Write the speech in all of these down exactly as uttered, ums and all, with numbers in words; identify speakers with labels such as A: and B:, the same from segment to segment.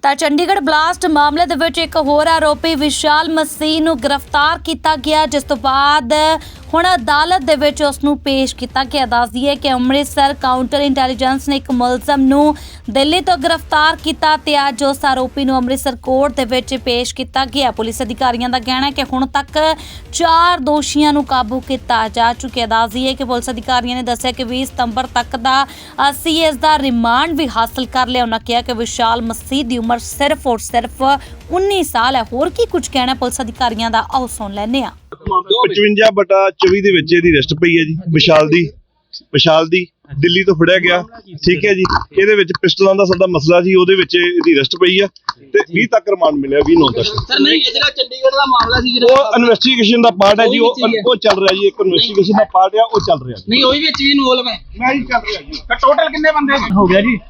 A: ਤਾਂ ਚੰਡੀਗੜ੍ਹ ਬਲਾਸਟ ਮਾਮਲੇ ਦੇ ਵਿੱਚ ਇੱਕ ਹੋਰ ਆਰੋਪੀ ਵਿਸ਼ਾਲ ਮਸੀਹ ਨੂੰ ਗ੍ਰਿਫਤਾਰ ਕੀਤਾ ਗਿਆ, ਜਿਸ ਤੋਂ ਬਾਅਦ ਹੁਣ ਅਦਾਲਤ ਦੇ ਵਿੱਚ ਉਸ ਨੂੰ ਪੇਸ਼ ਕੀਤਾ ਗਿਆ। ਦੱਸ ਦਈਏ ਕਿ ਅੰਮ੍ਰਿਤਸਰ ਕਾਊਂਟਰ ਇੰਟੈਲੀਜੈਂਸ ਨੇ ਇੱਕ ਮੁਲਜ਼ਮ ਨੂੰ ਦਿੱਲੀ ਤੋਂ ਗ੍ਰਿਫਤਾਰ ਕੀਤਾ ਤੇ ਅੱਜ ਉਸ ਆਰੋਪੀ ਨੂੰ ਅੰਮ੍ਰਿਤਸਰ ਕੋਰਟ ਦੇ ਵਿੱਚ ਪੇਸ਼ ਕੀਤਾ ਗਿਆ। ਪੁਲਿਸ ਅਧਿਕਾਰੀਆਂ ਦਾ ਕਹਿਣਾ ਹੈ ਕਿ ਹੁਣ ਤੱਕ ਚਾਰ ਦੋਸ਼ੀਆਂ ਨੂੰ ਕਾਬੂ ਕੀਤਾ ਜਾ ਚੁੱਕਿਆ। ਦੱਸ ਦਈਏ ਕਿ ਪੁਲਿਸ ਅਧਿਕਾਰੀਆਂ ਨੇ ਦੱਸਿਆ ਕਿ ਵੀਹ ਸਤੰਬਰ ਤੱਕ ਦਾ ਅਸੀਂ ਇਸ ਦਾ ਰਿਮਾਂਡ ਵੀ ਹਾਸਲ ਕਰ ਲਿਆ। ਉਹਨਾਂ ਕਿਹਾ ਕਿ ਵਿਸ਼ਾਲ ਮਸੀਹ ਦੀ ਉਮਰ ਸਿਰਫ ਔਰ ਸਿਰਫ ਉੱਨੀ ਸਾਲ ਹੈ। ਹੋਰ ਕੀ ਕੁਝ ਕਹਿਣਾ ਪੁਲਿਸ ਅਧਿਕਾਰੀਆਂ ਦਾ, ਆਓ ਸੁਣ ਲੈਂਦੇ ਹਾਂ।
B: ਪਚਵੰਜਾ ਬਟਾ ਚੌਵੀ ਦੇ ਵਿੱਚ ਇਹਦੀ ਅਰੈਸਟ ਪਈ ਹੈ ਜੀ। ਵਿਸ਼ਾਲ ਦੀ ਵਿਸ਼ਾਲ ਦੀ ਦਿੱਲੀ ਤੋਂ ਫੜਿਆ ਗਿਆ, ਠੀਕ ਹੈ ਜੀ। ਇਹਦੇ ਵਿੱਚ ਪਿਸਟਲਾਂ ਦਾ ਸਾਡਾ ਮਸਲਾ ਸੀ, ਉਹਦੇ ਵਿੱਚ ਇਹਦੀ ਅਰੈਸਟ ਪਈ ਆ ਤੇ ਵੀਹ ਤੱਕ ਰਿਮਾਂਡ ਮਿਲਿਆ, ਵੀਹ ਨੌਂ ਤੱਕ।
C: ਸਰ ਨਹੀਂ, ਇਹ ਜਿਹੜਾ ਚੰਡੀਗੜ੍ਹ ਦਾ ਮਾਮਲਾ ਸੀ ਜਿਹੜਾ
B: ਉਹ ਇਨਵੈਸਟੀਗੇਸ਼ਨ ਦਾ ਪਾਰਟ ਹੈ ਜੀ, ਉਹ ਉਹ ਚੱਲ ਰਿਹਾ ਜੀ। ਇੱਕ ਇਨਵੈਸਟੀਗੇਸ਼ਨ ਦਾ ਪਾਰਟ ਆ, ਉਹ ਚੱਲ ਰਿਹਾ।
C: ਨਹੀਂ, ਉਹ ਵੀ ਵਿੱਚ ਵੀ ਇਨਵੋਲਵ ਹੈ।
B: ਮੈਂ ਹੀ ਚੱਲ ਰਿਹਾ ਜੀ।
C: ਟੋਟਲ ਕਿੰਨੇ ਬੰਦੇ
B: ਹੋ ਗਿਆ ਜੀ,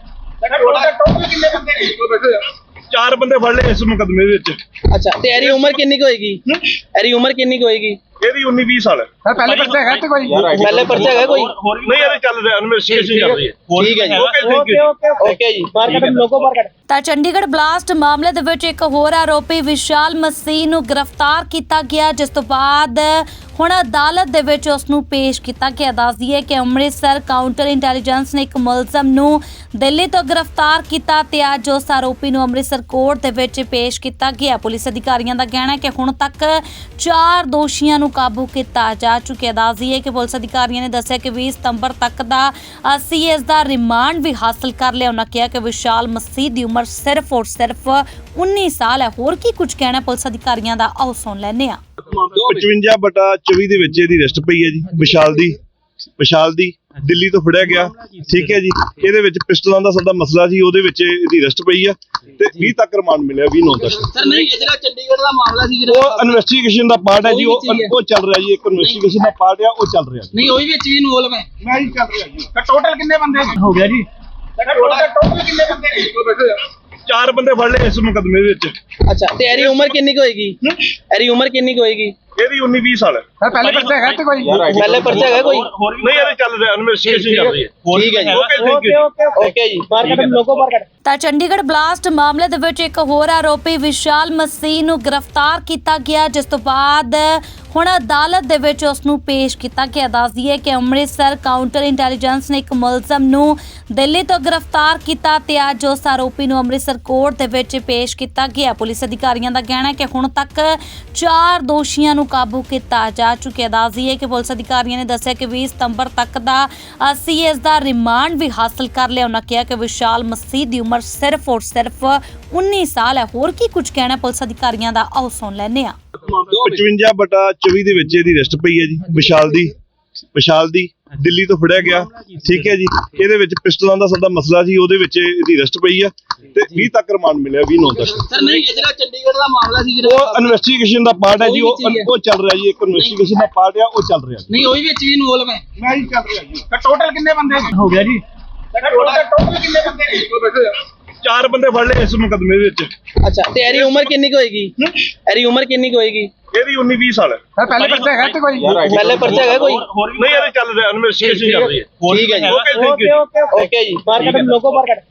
C: ਟੋਟਲ ਕਿੰਨੇ ਬੰਦੇ?
B: ਚਾਰ ਬੰਦੇ ਫੜ ਲਏ ਇਸ ਮੁਕੱਦਮੇ ਵਿੱਚ।
C: ਅੱਛਾ, ਤੇ ਇਹਦੀ ਉਮਰ ਕਿੰਨੀ ਕੁ ਹੋਏਗੀ? ਇਹਦੀ ਉਮਰ ਕਿੰਨੀ ਕੁ ਹੋਏਗੀ?
B: ਇਹਦੀ ਉੱਨੀ ਵੀਹ ਸਾਲ ਹੈ।
D: ਪਹਿਲੇ ਪਰਚਾ ਹੈਗਾ ਤੇ ਕੋਈ
C: ਪਹਿਲੇ ਪਰਚਾ ਹੈਗਾ ਕੋਈ?
B: ਨਹੀਂ, ਇਹਦੇ ਚੱਲ ਰਿਹਾ, ਇਨਵੈਸਟੀਗੇਸ਼ਨ ਚੱਲ ਰਹੀ ਹੈ।
C: ਠੀਕ ਹੈ ਜੀ,
B: ਓਕੇ ਓਕੇ
C: ਓਕੇ ਜੀ। ਬਾਹਰ ਕੱਢ ਲੋਕੋ, ਬਾਹਰ ਕੱਢ।
A: ਤਾਂ ਚੰਡੀਗੜ੍ਹ ਬਲਾਸਟ ਮਾਮਲੇ ਦੇ ਵਿੱਚ ਇੱਕ ਹੋਰ ਆਰੋਪੀ ਵਿਸ਼ਾਲ ਮਸੀਹ ਨੂੰ ਗ੍ਰਿਫਤਾਰ ਕੀਤਾ ਗਿਆ, ਜਿਸ ਤੋਂ ਬਾਅਦ ਹੁਣ ਅਦਾਲਤ ਦੇ ਵਿੱਚ ਉਸ ਨੂੰ ਪੇਸ਼ ਕੀਤਾ ਗਿਆ। ਦੱਸ ਦਈਏ ਕਿ ਅੰਮ੍ਰਿਤਸਰ ਕਾਊਂਟਰ ਇੰਟੈਲੀਜੈਂਸ ਨੇ ਇੱਕ ਮੁਲਜ਼ਮ ਨੂੰ ਦਿੱਲੀ ਤੋਂ ਗ੍ਰਿਫਤਾਰ ਕੀਤਾ ਤੇ ਅੱਜ ਉਸ ਆਰੋਪੀ ਨੂੰ ਅੰਮ੍ਰਿਤਸਰ ਕੋਰਟ ਦੇ ਵਿੱਚ ਪੇਸ਼ ਕੀਤਾ ਗਿਆ। ਪੁਲਿਸ ਅਧਿਕਾਰੀਆਂ ਦਾ ਕਹਿਣਾ ਹੈ ਕਿ ਹੁਣ ਤੱਕ ਚਾਰ ਦੋਸ਼ੀਆਂ ਨੂੰ ਕਾਬੂ ਕੀਤਾ ਜਾ ਚੁੱਕਿਆ। ਦੱਸ ਦਈਏ ਕਿ ਪੁਲਿਸ ਅਧਿਕਾਰੀਆਂ ਨੇ ਦੱਸਿਆ ਕਿ ਵੀਹ ਸਤੰਬਰ ਤੱਕ ਦਾ ਅਸੀਂ ਇਸ ਦਾ ਰਿਮਾਂਡ ਵੀ ਹਾਸਲ ਕਰ ਲਿਆ। ਉਹਨਾਂ ਕਿਹਾ ਕਿ ਵਿਸ਼ਾਲ ਮਸੀਹ ਦੀ ਉਮਰ ਸਿਰਫ ਔਰ ਸਿਰਫ ਉੱਨੀ ਸਾਲ ਹੈ। ਹੋਰ ਕੀ ਕੁਝ ਕਹਿਣਾ ਪੁਲਿਸ ਅਧਿਕਾਰੀਆਂ ਦਾ, ਆਓ ਸੁਣ ਲੈਂਦੇ ਹਾਂ।
B: ਪਚਵੰਜਾ ਬਟਾ ਚੌਵੀ ਦੇ ਵਿੱਚ ਇਹਦੀ ਅਰੈਸਟ ਪਈ ਹੈ ਜੀ। ਵਿਸ਼ਾਲ ਦੀ ਵਿਸ਼ਾਲ ਦੀ ਦਿੱਲੀ ਤੋਂ ਫੜਿਆ ਗਿਆ, ਠੀਕ ਹੈ ਜੀ। ਇਹਦੇ ਵਿੱਚ ਪਿਸਟਲਾਂ ਦਾ ਸਾਡਾ ਮਸਲਾ ਸੀ, ਉਹਦੇ ਵਿੱਚ ਇਹਦੀ ਅਰੈਸਟ ਪਈ ਆ ਤੇ ਵੀਹ ਤੱਕ ਰਿਮਾਂਡ ਮਿਲਿਆ, ਵੀਹ ਨੌਂ ਤੱਕ।
C: ਸਰ ਨਹੀਂ, ਇਹ ਜਿਹੜਾ ਚੰਡੀਗੜ੍ਹ ਦਾ ਮਾਮਲਾ ਸੀ ਜਿਹੜਾ
B: ਉਹ ਇਨਵੈਸਟੀਗੇਸ਼ਨ ਦਾ ਪਾਰਟ ਹੈ ਜੀ, ਉਹ ਉਹ ਚੱਲ ਰਿਹਾ ਜੀ। ਇੱਕ ਇਨਵੈਸਟੀਗੇਸ਼ਨ ਦਾ ਪਾਰਟ ਆ, ਉਹ ਚੱਲ ਰਿਹਾ।
C: ਨਹੀਂ, ਉਹ ਵੀ ਵਿੱਚ ਵੀ ਇਨਵੋਲਵ ਹੈ।
B: ਮੈਂ ਹੀ ਚੱਲ ਰਿਹਾ ਜੀ।
C: ਟੋਟਲ ਕਿੰਨੇ ਬੰਦੇ
B: ਹੋ ਗਿਆ ਜੀ,
C: ਟੋਟਲ ਕਿੰਨੇ ਬੰਦੇ?
B: ਚਾਰ ਬੰਦੇ ਫੜ ਲਏ ਇਸ ਮੁਕੱਦਮੇ ਵਿੱਚ।
C: ਅੱਛਾ, ਤੇ ਇਹਦੀ ਉਮਰ ਕਿੰਨੀ ਕੁ ਹੋਏਗੀ? ਇਹਦੀ ਉਮਰ ਕਿੰਨੀ ਕੁ ਹੋਏਗੀ?
B: ਇਹਦੀ ਉੱਨੀ ਵੀਹ ਸਾਲ ਹੈ।
D: ਪਹਿਲੇ ਪਰਚਾ ਹੈਗਾ ਤੇ ਕੋਈ
C: ਪਹਿਲੇ ਪਰਚਾ ਹੈਗਾ ਕੋਈ?
B: ਨਹੀਂ, ਇਹਦੇ ਚੱਲ ਰਿਹਾ, ਇਨਵੈਸਟੀਗੇਸ਼ਨ ਚੱਲ ਰਹੀ ਹੈ।
C: ਠੀਕ ਹੈ ਜੀ,
B: ਓਕੇ
C: ਓਕੇ ਜੀ। ਬਾਹਰ ਕੱਢ ਲੋਕੋ, ਬਾਹਰ ਕੱਢ।
A: ਤਾਂ ਚੰਡੀਗੜ੍ਹ ਬਲਾਸਟ ਮਾਮਲੇ ਦੇ ਵਿੱਚ ਇੱਕ ਹੋਰ ਆਰੋਪੀ ਵਿਸ਼ਾਲ ਮਸੀਹ ਨੂੰ ਗ੍ਰਿਫਤਾਰ ਕੀਤਾ ਗਿਆ, ਜਿਸ ਤੋਂ ਬਾਅਦ ਹੁਣ ਅਦਾਲਤ ਦੇ ਵਿੱਚ ਉਸ ਨੂੰ ਪੇਸ਼ ਕੀਤਾ ਗਿਆ। ਦੱਸ ਦਈਏ ਕਿ ਅੰਮ੍ਰਿਤਸਰ ਕਾਊਂਟਰ ਇੰਟੈਲੀਜੈਂਸ ਨੇ ਇੱਕ ਮੁਲਜ਼ਮ ਨੂੰ ਦਿੱਲੀ ਤੋਂ ਗ੍ਰਿਫਤਾਰ ਕੀਤਾ ਤੇ ਅੱਜ ਉਸ ਆਰੋਪੀ ਨੂੰ ਅੰਮ੍ਰਿਤਸਰ ਕੋਰਟ ਦੇ ਵਿੱਚ ਪੇਸ਼ ਕੀਤਾ ਗਿਆ। ਪੁਲਿਸ ਅਧਿਕਾਰੀਆਂ ਦਾ ਕਹਿਣਾ ਹੈ ਕਿ ਹੁਣ ਤੱਕ ਚਾਰ ਦੋਸ਼ੀਆਂ ਨੂੰ ਕਾਬੂ ਕੀਤਾ ਜਾ ਚੁੱਕਿਆ। ਦੱਸ ਦਈਏ ਕਿ ਪੁਲਿਸ ਅਧਿਕਾਰੀਆਂ ਨੇ ਦੱਸਿਆ ਕਿ ਵੀਹ ਸਤੰਬਰ ਤੱਕ ਦਾ ਅਸੀਂ ਇਸ ਦਾ ਰਿਮਾਂਡ ਵੀ ਹਾਸਲ ਕਰ ਲਿਆ। ਉਹਨਾਂ ਕਿਹਾ ਕਿ ਵਿਸ਼ਾਲ ਮਸੀਹ ਦੀ ਉਮਰ ਸਿਰਫ ਔਰ ਸਿਰਫ ਉੱਨੀ ਸਾਲ ਹੈ। ਹੋਰ ਕੀ ਕੁਝ ਕਹਿਣਾ ਪੁਲਿਸ ਅਧਿਕਾਰੀਆਂ ਦਾ, ਆਓ ਸੁਣ ਲੈਂਦੇ ਹਾਂ।
B: ਪਚਵੰਜਾ ਬਟਾ ਚੌਵੀ ਦੇ ਵਿੱਚ ਇਹਦੀ ਅਰੈਸਟ ਪਈ ਹੈ ਜੀ। ਵਿਸ਼ਾਲ ਦੀ ਵਿਸ਼ਾਲ ਦੀ ਦਿੱਲੀ ਤੋਂ ਫੜਿਆ ਗਿਆ, ਠੀਕ ਹੈ ਜੀ। ਇਹਦੇ ਵਿੱਚ ਪਿਸਟਲਾਂ ਦਾ ਸਾਡਾ ਮਸਲਾ ਸੀ, ਉਹਦੇ ਵਿੱਚ ਇਹਦੀ ਅਰੈਸਟ ਪਈ ਆ ਤੇ ਵੀਹ ਤੱਕ ਰਿਮਾਂਡ ਮਿਲਿਆ, ਵੀਹ ਨੌਂ ਤੱਕ।
C: ਸਰ ਨਹੀਂ, ਇਹ ਜਿਹੜਾ ਚੰਡੀਗੜ੍ਹ ਦਾ ਮਾਮਲਾ ਸੀ ਜਿਹੜਾ
B: ਉਹ ਇਨਵੈਸਟੀਗੇਸ਼ਨ ਦਾ ਪਾਰਟ ਹੈ ਜੀ, ਉਹ ਉਹ ਚੱਲ ਰਿਹਾ ਜੀ। ਇੱਕ ਇਨਵੈਸਟੀਗੇਸ਼ਨ ਦਾ ਪਾਰਟ ਆ, ਉਹ ਚੱਲ ਰਿਹਾ।
C: ਨਹੀਂ, ਉਹ ਵੀ ਵਿੱਚ ਵੀ ਇਨਵੋਲਵ ਹੈ।
B: ਮੈਂ ਹੀ ਚੱਲ ਰਿਹਾ ਜੀ।
C: ਟੋਟਲ ਕਿੰਨੇ ਬੰਦੇ
B: ਹੋ ਗਿਆ ਜੀ,
C: ਟੋਟਲ ਕਿੰਨੇ ਬੰਦੇ?
B: ਚਾਰ ਬੰਦੇ ਫੜ ਲਏ ਇਸ ਮੁਕੱਦਮੇ ਵਿੱਚ।
C: ਅੱਛਾ, ਤੇ ਇਹਦੀ ਉਮਰ ਕਿੰਨੀ ਕੁ ਹੋਏਗੀ? ਇਹਦੀ ਉਮਰ ਕਿੰਨੀ ਕੁ ਹੋਏਗੀ?
B: ਇਹਦੀ ਉੱਨੀ ਵੀਹ ਸਾਲ ਹੈ।
D: ਪਹਿਲੇ ਪਰਚਾ ਹੈਗਾ ਤੇ ਕੋਈ
C: ਪਹਿਲੇ ਪਰਚਾ ਹੈਗਾ ਕੋਈ?
B: ਨਹੀਂ, ਇਹਦੇ ਚੱਲ ਰਿਹਾ, ਇਨਵੈਸਟੀਗੇਸ਼ਨ ਚੱਲ ਰਹੀ ਹੈ।
C: ਠੀਕ ਹੈ ਜੀ, ਓਕੇ ਜੀ। ਬਾਹਰ ਕੱਢ ਲੋਕੋ, ਬਾਹਰ ਕੱਢ।